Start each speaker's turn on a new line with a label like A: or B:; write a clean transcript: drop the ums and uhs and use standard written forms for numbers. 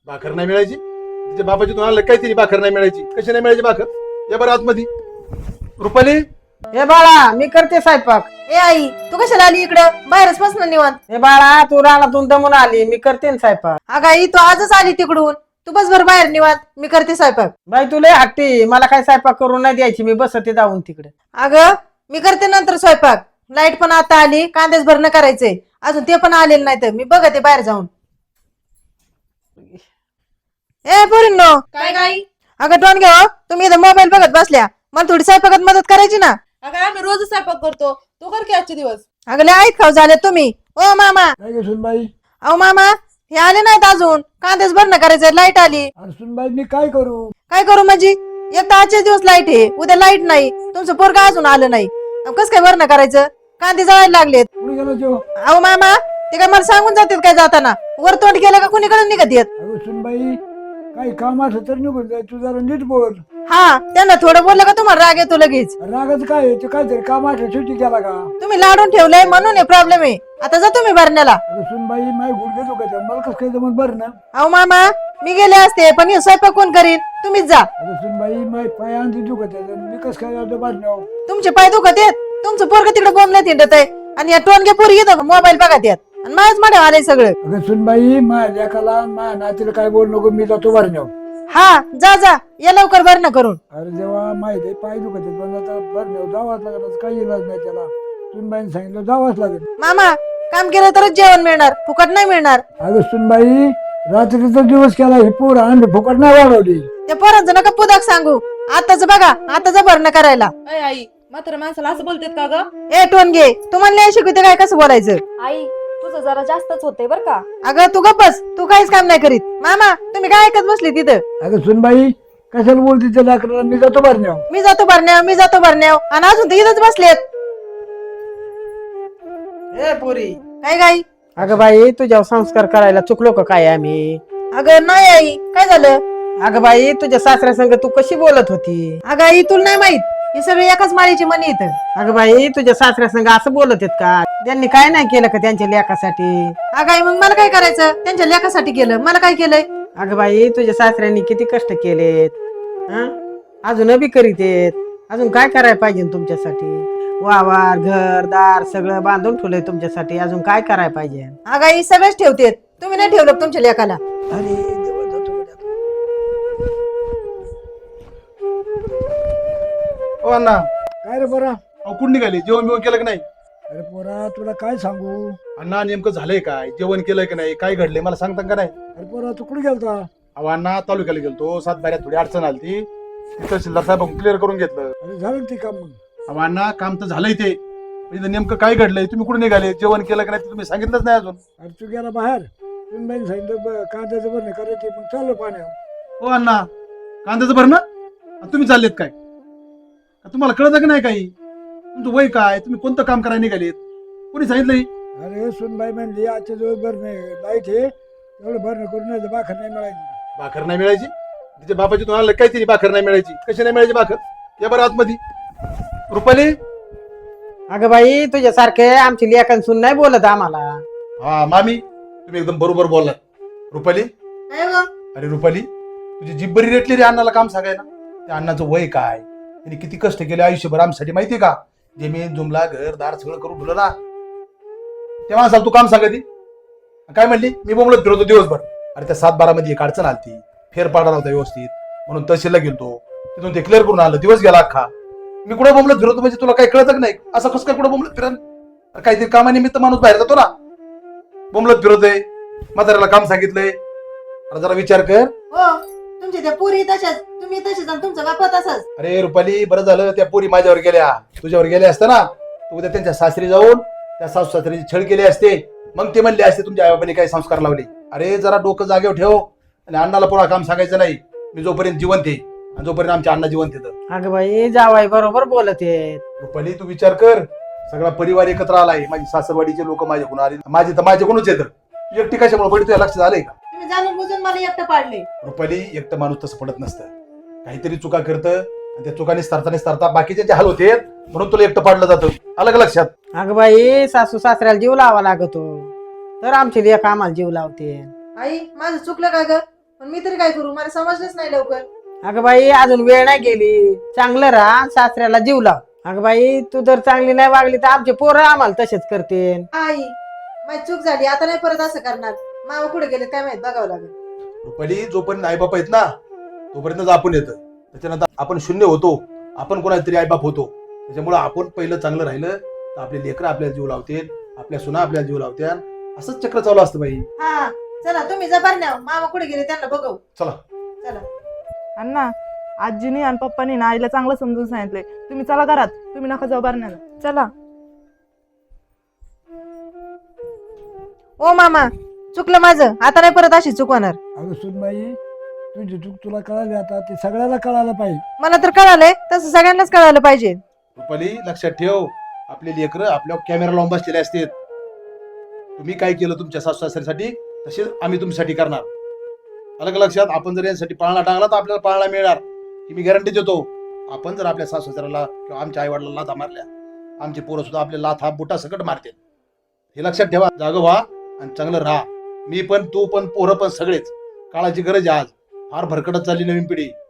A: भाकर नाही मिळायची तिच्या बापाची तुम्हाला काहीतरी भाकर नाही मिळायची. कशी नाही मिळायची भाकर या बरं आतमध्ये. रुपाली
B: हे बाळा मी करते स्वयंपाक.
C: ए आई तू कशाला आली इकडं बाहेरच बस ना निवांत.
B: हे बाळा तू रानातून दमून आली मी करते ना स्वयंपाक.
C: अगं आई तू आजच आली तिकडून तू बस भर बाहेर निवांत मी करते स्वयंपाक.
B: बाई तू लय हट्टी मला काय स्वयंपाक करून नाही द्यायची मी बसते जाऊन तिकडे.
C: अगं मी करते नंतर स्वयंपाक. लाईट पण आता आली कांद्याच भरणं करायचंय अजून ते पण आलेलं नाही तर मी बघते बाहेर जाऊन. ए पोरींनो
D: काय गाई?
C: अगं टोन घ्या तुम्ही इथं मोबाईल बघत बसल्या मला थोडी स्वयंपाकात मदत करायची ना.
D: अगं आम्ही रोज स्वयंपाक करतो तू कर की आजचे दिवस.
C: अगं लय ऐक खाऊ झाले तुम्ही. ओ मामा
E: काय गे सुनबाई?
C: अहो मामा हे आले नाहीत अजून कांद्याच भरणं करायचंय लाईट आली.
E: अरे सुनबाई मी काय करू?
C: काय करू म्हणजे एकदा आजचे दिवस लाईट आहे उद्या लाईट नाही तुमचं पोरगा अजून आलं नाही कस काय भरणं करायचं कांदे जळायला लागलेत.
E: कुठे गेलो जेव?
C: अहो मामा ते काय मला सांगून जातात काय जाताना वर तोंड केलं का कुणीकडे निघत येत.
E: अगं सुनबाई काही काम असं तर निघून जाय तू जरा नीट बोल.
C: हा त्यांना थोडं बोललं का तुम्हाला राग येतो लगेच.
E: रागाच काय आहे? ते काहीतरी काम असं सुट्टी केला का?
C: तुम्ही लाडून ठेवलंय म्हणून हे प्रॉब्लेम आहे. आता जा तुम्ही भरण्याला.
E: अगं सुनबाई माय गुडघे दुखायचं मला कसं काय जमत बरं ना.
C: अहो मामा मी गेले असते पण हे स्वयंपाक कोण करीन तुम्हीच जा.
E: अगं सुनबाई माय पाय आणखी दुखत मी कसं काय जातो बाजण्यावर?
C: तुमचे पाय दुखत येत तुमचं पोरग तिकडे बोंबल्यात हिंडत आहे आणि या टोनगे पोरी येतो मोबाईल बघत येत आणि माझ्याच मध्ये आलंय सगळं.
E: अगं सुनबाई माझ्या लेकाला माझ्या नातीला काय बोल नको मी जातो बाजण्यावर.
C: हा जा जा या लवकर भरणं करून.
E: अरे जेव्हा माहिती आहे पाय दुखत आहेत पण आता बाजण्यावर जावाच लागत काही इलाज नाही त्याला. सुनबाईने सांगितलं जावाच लागेल.
C: मामा काम केलं तरच जेवण मिळणार फुकट नाही मिळणार.
E: अगं सुनबाई रात्रीचा दिवस केला ही पोर आणि फुकट नाही वाढवली.
C: त्या पोरांचं नका पुदाक सांगू आताच बघा आताच भरणं करायला.
D: अय आई म्हातारा माणसाला असं बोलतेत का ग?
C: ए टोनगे तुम्हाला नाही शिकवते काय कसं बोलायचं.
F: आई तुझं जरा जास्तच होतंय बर का.
C: अगं तू गप्पस तू काहीच काम नाही करीत. मामा तुम्ही काय ऐकत बसली तिथं.
E: अगं सुनबाई कशाला बोलते त्या लाकडाला मी जातो भरण्यावर.
C: मी जातो भरण्याव आणि अजून तर इथंच बसलेत.
B: ए पोरी
C: काय गाई.
B: अगं बाई तुझ्यावर संस्कार करायला चुकलो का काय आम्ही?
C: अगं नाही आई काय झालं.
B: अगं बाई तुझ्या सासऱ्या संग तू कशी बोलत होती?
C: अगं आई तुला नाही माहित हे सगळे एकाच माळीची मनी इथं.
B: अगं बाई तुझ्या सासऱ्या संग असं बोलत आहेत का? त्यांनी काय नाही केलं का त्यांच्या लेकासाठी?
C: अगं आई मग मला काय करायचं त्यांच्या लेकासाठी केलं मला काय केलंय.
B: अगं बाई तुझ्या सासऱ्यांनी किती कष्ट केलेत हं? अजून बी करीत आहेत. अजून काय करायला पाहिजे तुमच्यासाठी? वावर घर दार सगळं बांधून ठेवलंय तुमच्यासाठी. अजून काय करायला पाहिजे?
C: अगं आई सगळेच ठेवतेत तुम्ही नाही ठेवलं का तुमच्या लेकाला.
E: अरे देवा जातो गड्या.
A: ओ अण्णा
E: काय रे पोरा?
A: अहो कुठं निघाले जेवण बिवण केलं की नाही?
E: अरे पोरा तुला काय सांगू?
A: अण्णा नेमकं झालंय काय जेवण केलंय की नाही काय घडलंय मला सांगता का नाही?
E: अरे पोरा तू कुठे गेलता?
A: अहो अण्णा तालुक्याला गेलतो सातबाऱ्यात थोडी अडचण आली ती तहसीलदार साहेब क्लिअर करून घेतलं.
E: अरे झालं ते काम मग?
A: अहो अण्णा काम तर झालंय ते म्हणजे नेमकं काय घडलंय तुम्ही कुठे निघाले जेवण केलं की नाही ते तुम्ही सांगितलंच नाही अजून.
E: अरे तू गेला बाहेर सुनबाईने सांगितलं कांद्याचं भरणं करायचे मग चाललो पाण्यावर.
A: हो अण्णा कांद्याचं भरणं आणि तुम्ही चाललेत काय? का तुम्हाला कळतं की नाही काही? तुमचं वय काय तुम्ही कोणतं काम करायला निघालेत कोणी सांगितलंय?
E: अरे सुनबाई म्हणली आजच्या दिवस भरणं लाईट आहे एवढं भरणं करून नाही तर भाकर नाही मिळायची.
A: भाकर नाही मिळायची तिच्या बापाची तुम्हाला काहीतरी भाकर नाही मिळायची. कशी नाही मिळायची भाकर या बरं आतमध्ये. रुपाली
B: अगं बाई तुझ्यासारखे आमची लेखन सुन नाही बोलत आम्हाला.
A: हा मामी तुम्ही एकदम बरोबर बोललात. रुपाली
C: काय गं?
A: अरे रुपाली तुझी जीभ बरी रेटली रे अण्णाला काम सांगायला. त्या अण्णाचं वय काय त्यांनी किती कष्ट केले आयुष्यभर आमच्यासाठी माहितीये का? जमीन जुमला घर दार सगळं करून ठेवलं ना तेव्हा असाल तू काम सांगायची काय म्हणली मी बोंबलत फिरवतो दिवसभर. अरे त्या 7-12 मध्ये एक अडचण आलती फेर पाडा नव्हता व्यवस्थित म्हणून तहसीलला गेलतो तिथून ते क्लिअर करून आलं दिवस गेला अख्खा. मी कुठं बोंबलत फिरवतो म्हणजे तुला काही कळत नाही असं कसं काय कुठं बोंबलत फिरन? काहीतरी कामानिमित्त माणूस बाहेर जातो ना बोंबलत फिरवतोय म्हाताऱ्याला काम सांगितलंय. जरा विचार कर.
C: हो तुमच्या त्या पोरी तशाच तुम्ही तसेच आणि तुमचा बापा तसाच.
A: अरे रुपाली बरं झालं त्या पोरी माझ्यावर गेल्या तुझ्यावर गेल्या असता ना तू उद्या त्यांच्या सासरी जाऊन त्या सासू सासरीची छळ केली असते मग ते म्हणले असते तुमच्या आईबापाने काही संस्कार लावले. अरे जरा डोकं जागेवर ठेव आणि अण्णाला पुन्हा काम सांगायचं नाही. मी जोपर्यंत जिवंत आहे आणि जोपर्यंत आमच्या अण्णा जिवंत येतं.
B: अगं बाई जावाई बरोबर बोलत आहेत.
A: रुपाली तू विचार कर सगळा परिवार एकत्र आलाय. माझी सासरवाडीचे लोक माझ्याकडून आले माझे तर माझ्याकडूनच येतं. तू एकटी कशामुळे पडली तुझ्या लक्षात आलंय का?
C: तुम्ही जाणून बुजून मला एकटं पाडले.
A: रुपाली एकटं माणूस तसं पडत नसतं. काहीतरी चुका करतं आणि त्या चुकाने starta बाकीचे हाल होते म्हणून तुला एकटं पाडलं जातं. अलग लक्षात.
B: अगं बाई सासू सासऱ्याला जीव लावा लागतो तर आमची लेख आम्हाला जीव लावते.
C: आई माझं चुकलं का ग पण मी तरी काय करू, मला समजलंच नाही लवकर.
B: अगं बाई अजून वेळ नाही गेली, चांगलं राहा, सासऱ्याला जीव लाव. अगं बाई तू जर चांगली नाही वागली तर आमचे पोरं आम्हाला तसेच करते.
C: आई, माझी चूक झाली, आता नाही परत असं करणार. मामा कुठे गेले काय माहित, बघावं लागेल.
A: रुपाली, जोपर्यंत आईबाप आहेत ना तोपर्यंतच आपण येतं. त्याच्यानंतर आपण शून्य होतो, आपण कोणातरी आईबाप होतो. त्याच्यामुळे आपण पहिलं चांगलं राहिलं तर आपले लेकरं आपल्याला जीव लावतील, आपल्या सुना आपल्याला जीव लावतील. असंच चक्र चालू असतं बाई.
C: हा चला, तुम्ही जबार न्या, मामा कुठे गेले त्यांना बघू.
A: चला.
C: चला.
D: अण्णा, आजीनी आणि पप्पानी ना आईला चांगलं समजून सांगितलंय. तुम्ही चला घरात, तुम्ही नका जाऊ बारण्याला.
F: चला.
C: ओ मामा, चुकलं माझं, आता नाही परत अशी चूक होणार.
E: अगं सुनबाई, तुझी चूक तुला कळाली, आता ते सगळ्याला कळायला पाहिजे.
C: मला तर कळालंय, तसं सगळ्यांनाच कळायला पाहिजे.
A: रुपाली, लक्षात ठेव, आपले लेकरं आपल्या कॅमेरा लावून बसलेले असतात. तुम्ही काय केलं तुमच्या सासू सासऱ्यासाठी तसेच आम्ही तुमच्यासाठी करणार. अलग लक्षात. आपण जर यांसाठी पाळणा टांगला तर आपल्याला पाळणा मिळणार ही मी गॅरंटी देतो. आपण जर आपल्या सासू सासऱ्याला किंवा आमच्या आई वडिलांना लाथा मारल्या, आमचे पोरं सुद्धा आपल्या लाथा बुटा सकट मारतील. हे लक्षात ठेवा. जागं व्हा आणि चांगलं राहा. मी पण, तू पण, पोरं पण, सगळेच. काळाची गरज आहे आज. फार भरकटत चालली नवीन पिढी.